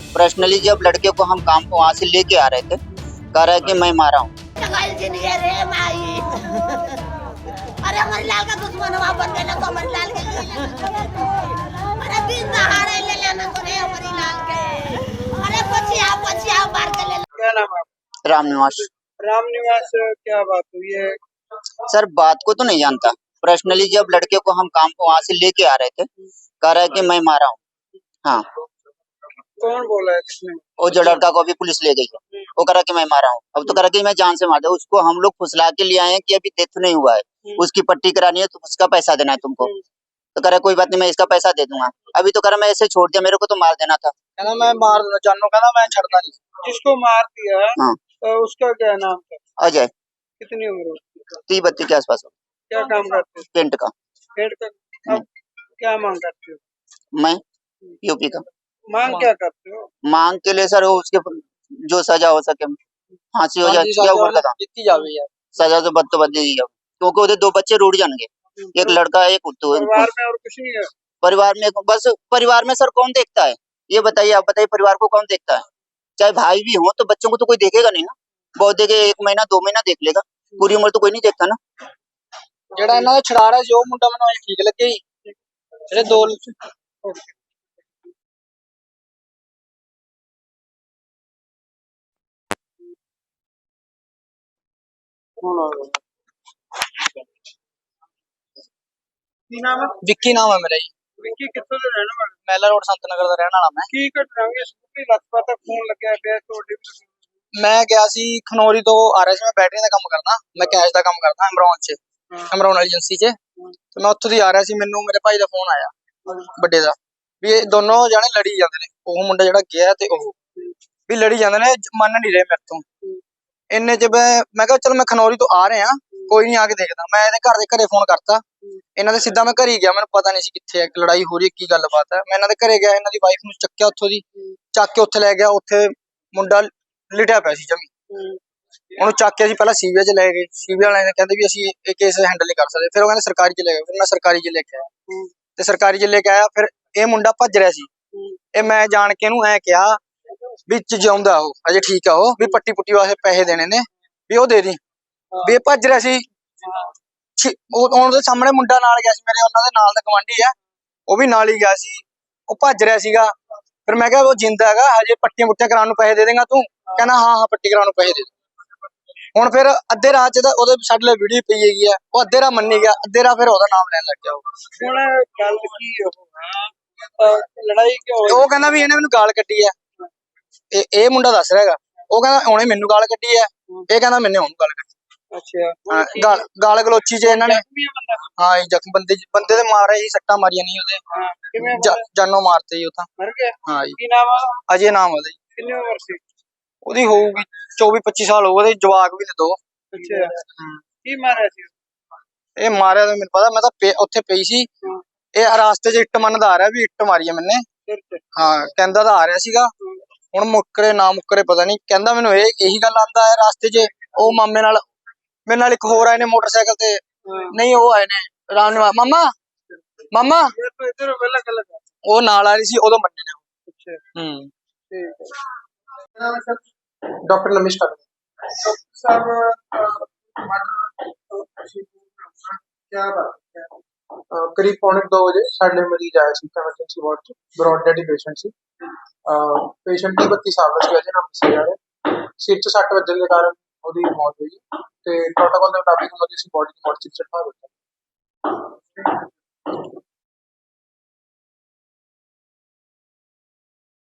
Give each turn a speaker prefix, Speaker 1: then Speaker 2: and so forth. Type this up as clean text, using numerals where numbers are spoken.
Speaker 1: Personally जब लड़के को हम काम वहाँ से लेके आ रहे थे, कह रहा है कि मैं मारा हूँ।
Speaker 2: अरे हमारे लाल का दुश्मन वहाँ बन गया ना तो हमारे लाल के अरे दिन दहाड़े ले लेना तो रे हमारी लाल के अरे पछिया मार के ले
Speaker 3: क्या नाम है आपका?
Speaker 1: राम निवास।
Speaker 3: राम निवास, क्या बात हुई है?
Speaker 1: सर बात को तो नहीं जानता, पर्सनली जब लड़के को हम काम को वहाँ से लेके आ रहे थे, कह रहा है कि मैं मारा हूँ। हाँ,
Speaker 3: कौन बोला है, किसने?
Speaker 1: वो जो लड़का को अभी पुलिस ले गई है, वो कह रहा कि मैं मारा हूँ। अब तो कह रहा कि मैं जान से मार दिया। उसको हम लोग फुसला के लिए आए हैं कि अभी डेथ नहीं हुआ है, उसकी पट्टी करानी है तो उसका पैसा देना है तुमको। तो कह रहा कोई बात नहीं, मैं इसका पैसा दे दूंगा। अभी तो कह रहा मैं ऐसे छोड़ दिया, मेरे को तो मार देना था।
Speaker 3: कहना मैं मार दूंगा, जानू कहना मैं छड़ना नहीं। जिसको मार दिया
Speaker 1: हाँ,
Speaker 3: उसका क्या नाम था?
Speaker 1: अजय।
Speaker 3: कितनी उम्र है उसकी?
Speaker 1: 30-32 के आसपास हो।
Speaker 3: क्या काम करते हो?
Speaker 1: पेंट का।
Speaker 3: पेड़ का। अब क्या मांग करते हो?
Speaker 1: मैं यूपी का।
Speaker 3: मांग क्या करते हो?
Speaker 1: मांग के लिए सर वो उसके जो सजा हो सके, फांसी हो जाए या उम्र का था,
Speaker 3: कितनी जावे यार?
Speaker 1: सजा तो बद दी जाओ, क्योंकि उधर 2 बच्चे रूठ जाएंगे, एक लड़का है एक उद्दू है।
Speaker 3: परिवार में और कुछ नहीं है?
Speaker 1: परिवार में बस, परिवार में सर कौन देखता है ये बताइए, आप बताइए परिवार को कौन देखता है? चाहे भाई भी हो तो बच्चों को तो कोई देखेगा नहीं ना। बहुत देखे 1 महीना 2 महीना देख लेगा, पूरी उम्र तो कोई नहीं देखता ना।
Speaker 3: ਜਿਹੜਾ ਇਹਨਾਂ ਦਾ ਛੜਾਰਾ ਸੀ ਉਹ ਮੁੰਡਾ ਮੈਨੂੰ ਐਂ ਠੀਕ ਲੱਗੇ ਜੀ। ਜਿਹੜੇ ਦੋ ਕੀ ਨਾਮ ਹੈ? ਵਿੱਕੀ ਨਾਮ ਹੈ ਮੇਰਾ ਜੀ। ਵਿੱਕੀ ਕਿੱਥੋਂ ਦੇ ਰਹਿਣ ਵਾਲੇ? ਮਹਿਲਾ ਰੋਡ ਸੰਤ ਨਗਰ ਦਾ ਰਹਿਣ ਵਾਲਾ ਮੈਂ। ਕੀ ਘਟਨਾ ਹੋਈ? ਸਕੂਟਰੀ ਲੱਤ ਤੱਕ ਖੂਨ ਲੱਗਿਆ ਪਿਆ ਤੁਹਾਡੇ? ਮੈਂ ਗਿਆ ਸੀ ਖਨੌਰੀ ਤੋਂ ਆ ਰਿਹਾ ਸੀ, ਮੈਂ ਬੈਟਰੀ ਦਾ ਕੰਮ ਕਰਦਾ, ਮੈਂ ਕੈਸ਼ ਦਾ ਕੰਮ ਕਰਦਾ ਅਮਰੌਨ 'ਚ, ਅਮਰੌਨ ਵਾਲੀ ਏਜੰਸੀ 'ਚ। ਤੇ ਮੈਂ ਉੱਥੋਂ ਦੀ ਆ ਰਿਹਾ ਸੀ, ਮੈਨੂੰ ਮੇਰੇ ਭਾਈ ਦਾ ਫੋਨ ਆਇਆ ਵੱਡੇ ਦਾ ਵੀ ਇਹ ਦੋਨੋਂ ਜਾਣੇ ਲੜੀ ਜਾਂਦੇ ਨੇ, ਉਹ ਮੁੰਡਾ ਜਿਹੜਾ ਗਿਆ ਤੇ ਉਹ ਵੀ ਲੜੀ ਜਾਂਦੇ ਨੇ, ਮੰਨ ਨਹੀਂ ਰਹੇ ਮੇਰੇ ਤੋਂ। ਇੰਨੇ 'ਚ ਮੈਂ ਕਿਹਾ ਚਲ ਮੈਂ ਖਨੌਰੀ ਤੋਂ ਆ ਰਿਹਾ, ਕੋਈ ਨਹੀਂ ਆ ਕੇ ਦੇਖਦਾ। ਮੈਂ ਇਹਦੇ ਘਰ ਦੇ ਘਰੇ ਫੋਨ ਕਰਤਾ, ਇਹਨਾਂ ਦੇ ਸਿੱਧਾ ਮੈਂ ਘਰੇ ਗਿਆ, ਮੈਨੂੰ ਪਤਾ ਨਹੀਂ ਸੀ ਕਿੱਥੇ ਲੜਾਈ ਹੋ ਰਹੀ ਹੈ, ਕੀ ਗੱਲਬਾਤ ਹੈ। ਮੈਂ ਇਹਨਾਂ ਦੇ ਘਰੇ ਗਿਆ, ਇਹਨਾਂ ਦੀ ਵਾਈਫ ਨੂੰ ਚੱਕਿਆ ਉੱਥੋਂ ਦੀ, ਚੱਕ ਕੇ ਉੱਥੇ ਲੈ ਗਿਆ। ਉੱਥੇ ਮੁੰਡਾ ਲਿਟਿਆ ਪਿਆ ਸੀ ਜਮੀ, ਉਹਨੂੰ ਚੱਕ ਕੇ ਅਸੀਂ ਪਹਿਲਾਂ ਸੀਬੀਆਈ 'ਚ ਲੈ ਗਏ। ਸੀਬੀਆਈ ਵਾਲਿਆਂ ਨੇ ਕਹਿੰਦੇ ਵੀ ਅਸੀਂ ਇਹ ਕੇਸ ਹੈਂਡਲ ਨਹੀਂ ਕਰ ਸਕਦੇ, ਫਿਰ ਉਹ ਕਹਿੰਦੇ ਸਰਕਾਰੀ 'ਚ ਲੈ ਗਏ। ਫਿਰ ਮੈਂ ਸਰਕਾਰੀ 'ਚ ਲੈ ਕੇ ਆਇਆ, ਤੇ ਸਰਕਾਰੀ 'ਚ ਲੈ ਕੇ ਆਇਆ, ਫਿਰ ਇਹ ਮੁੰਡਾ ਭੱਜ ਰਿਹਾ ਸੀ। ਇਹ ਮੈਂ ਜਾਣ ਕੇ ਇਹਨੂੰ ਐ ਕਿਹਾ ਵਿੱਚ ਜਿਉਂਦਾ ਉਹ ਅਜੇ ਠੀਕ ਆ, ਉਹ ਵੀ ਪੱਟੀ ਪੁੱਟੀ ਵਾਸਤੇ ਪੈਸੇ ਦੇਣੇ ਨੇ ਵੀ ਉਹ ਦੇ ਦੀ, ਵੀ ਇਹ ਭੱਜ ਰਿਹਾ ਸੀ। ਉਹਦੇ ਸਾਹਮਣੇ ਮੁੰਡਾ ਨਾਲ ਗਿਆ ਸੀ ਮੇਰੇ, ਉਹਨਾਂ ਦੇ ਨਾਲ ਦਾ ਗਵਾਂਢੀ ਆ, ਉਹ ਵੀ ਨਾਲ ਹੀ ਗਿਆ ਸੀ, ਉਹ ਭੱਜ ਰਿਹਾ ਸੀਗਾ। ਫਿਰ ਮੈਂ ਕਿਹਾ ਉਹ ਜਿੰਦਾ ਹੈਗਾ, ਹਜੇ ਪੱਟੀਆਂ ਪੁੱਟੀਆਂ ਕਰਾਉਣ ਨੂੰ ਪੈਸੇ ਦੇ ਦੇਗਾ ਤੂੰ? ਕਹਿੰਦਾ ਹਾਂ ਪੱਟੀ ਕਰਾਉਣ ਨੂੰ ਪੈਸੇ ਦੇ ਦੇ। ਹੁਣ ਫਿਰ ਅੱਧੇ ਰਾਹ 'ਚ ਉਹਦੇ ਸਾਡੇ ਲਈ ਵੀਡੀਓ ਪਈ ਹੈਗੀ ਆ, ਉਹ ਅੱਧੇ ਰਾਹ ਮੰਨੀ ਗਿਆ, ਅੱਧੇ ਰਾਹ ਫਿਰ ਉਹਦਾ ਨਾਮ ਲੈਣ ਲੱਗ ਗਿਆ। ਹੁਣ ਗੱਲ ਕੀ ਲੜਾਈ ਕਿਉਂ? ਉਹ ਕਹਿੰਦਾ ਵੀ ਇਹਨੇ ਮੈਨੂੰ ਗਾਲ ਕੱਢੀ ਆ, ਇਹ ਮੁੰਡਾ ਦੱਸ ਰਿਹਾ ਹੈਗਾ। ਉਹ ਕਹਿੰਦਾ ਉਹਨੇ ਮੈਨੂੰ ਗਾਲ ਕੱਢੀ ਆ, ਇਹ ਕਹਿੰਦਾ ਮੈਨੇ ਉਹਨੂੰ ਗਾਲ ਕੱਢੀ। ਅੱਛਾ, ਗਾਲ ਗਲੋਚੀ 'ਚ ਇਹਨਾਂ ਨੇ, ਹਾਂ ਜੀ ਜ਼ਖਮ ਬੰਦੇ ਦੇ ਮਾਰੇ ਹੀ, ਸੱਟਾਂ ਮਾਰੀਆਂ ਨਹੀਂ ਉਹਦੇ, ਜਾਨੋਂ ਮਾਰਤੇ ਜੀ ਉਹ ਤਾਂ। ਹਾਂ ਜੀ। ਕੀ ਨਾਮ ਆ? ਅਜੇ ਨਾਮ ਉਹਦਾ ਜੀ। ਕਿੰਨੀ ਉਮਰ ਸੀ ਉਹਦੀ? ਹੋਊਗੀ 24-25 ਸਾਲ ਹੋਊ, ਉਹਦੇ ਜਵਾਕ ਵੀ ਨੇ 2। ਅੱਛਾ, ਕੀ ਮਾਰਿਆ ਸੀ? ਇਹ ਮਾਰਿਆ ਤਾਂ ਮੈਨੂੰ ਪਤਾ, ਮੈਂ ਤਾਂ ਉੱਥੇ ਪਈ ਸੀ। ਇਹ ਰਾਸਤੇ 'ਚ ਇੱਟ ਮੰਨਦਾ ਆ ਰਿਹਾ ਵੀ ਇੱਟ ਮਾਰੀ ਆ ਮੈਨੇ। ਹਾਂ, ਕਹਿੰਦਾ ਤਾਂ ਆ ਰਿਹਾ ਸੀਗਾ, ਹੁਣ ਮੁੱਕਰੇ ਨਾ ਮੁੱਕਰੇ ਪਤਾ ਨਹੀਂ। ਕਹਿੰਦਾ ਮੈਨੂੰ ਇਹੀ ਗੱਲ ਆਂਦਾ ਹੈ ਰਾਸਤੇ 'ਚ। ਉਹ ਮਾਮੇ ਨਾਲ, ਮੇਰੇ ਨਾਲ ਇੱਕ ਹੋਰ ਆਏ ਨੇ ਮੋਟਰਸਾਈਕਲ ਤੇ, ਨਹੀਂ ਉਹ ਆਏ ਨੇ ਰਾਮ ਨਿਵਾਸ ਮਾਮਾ ਉਹ ਨਾਲ ਆ ਰਹੀ ਸੀ, ਉਦੋਂ ਮੰਨੇ ਨੇ। ਡਾਕਟਰ ਨਮਿਸ਼ਕਾ ਸਾਹਿਬ, करीब 1:45 बजे साढ़े मरीज आया ਸੀ ਐਮਰਜੈਂਸੀ ਵਾਰਡ 'ਚ, ਬ੍ਰੌਡ ਡੈਡ ਪੇਸ਼ੈਂਟ ਸੀ। ਪੇਸ਼ੈਂਟ 32 ਸਾਲ ਦਾ ਸੀ, ਅਜੇ ਨਾਮ ਦੱਸਿਆ ਜਾ ਰਿਹਾ। ਸਿਰ 'ਚ ਸੱਟ ਵੱਜਣ ਦੇ ਕਾਰਨ ਉਹਦੀ ਮੌਤ ਹੋਈ ਤੇ ਪ੍ਰੋਟੋਕਾਲ ਦੇ ਮੁਤਾਬਿਕ ਉਹਦੀ ਅਸੀਂ ਬੋਡੀ ਨੂੰ ਮੋਰਚਰੀ 'ਚ ਰਖਵਾ ਦਿੱਤਾ।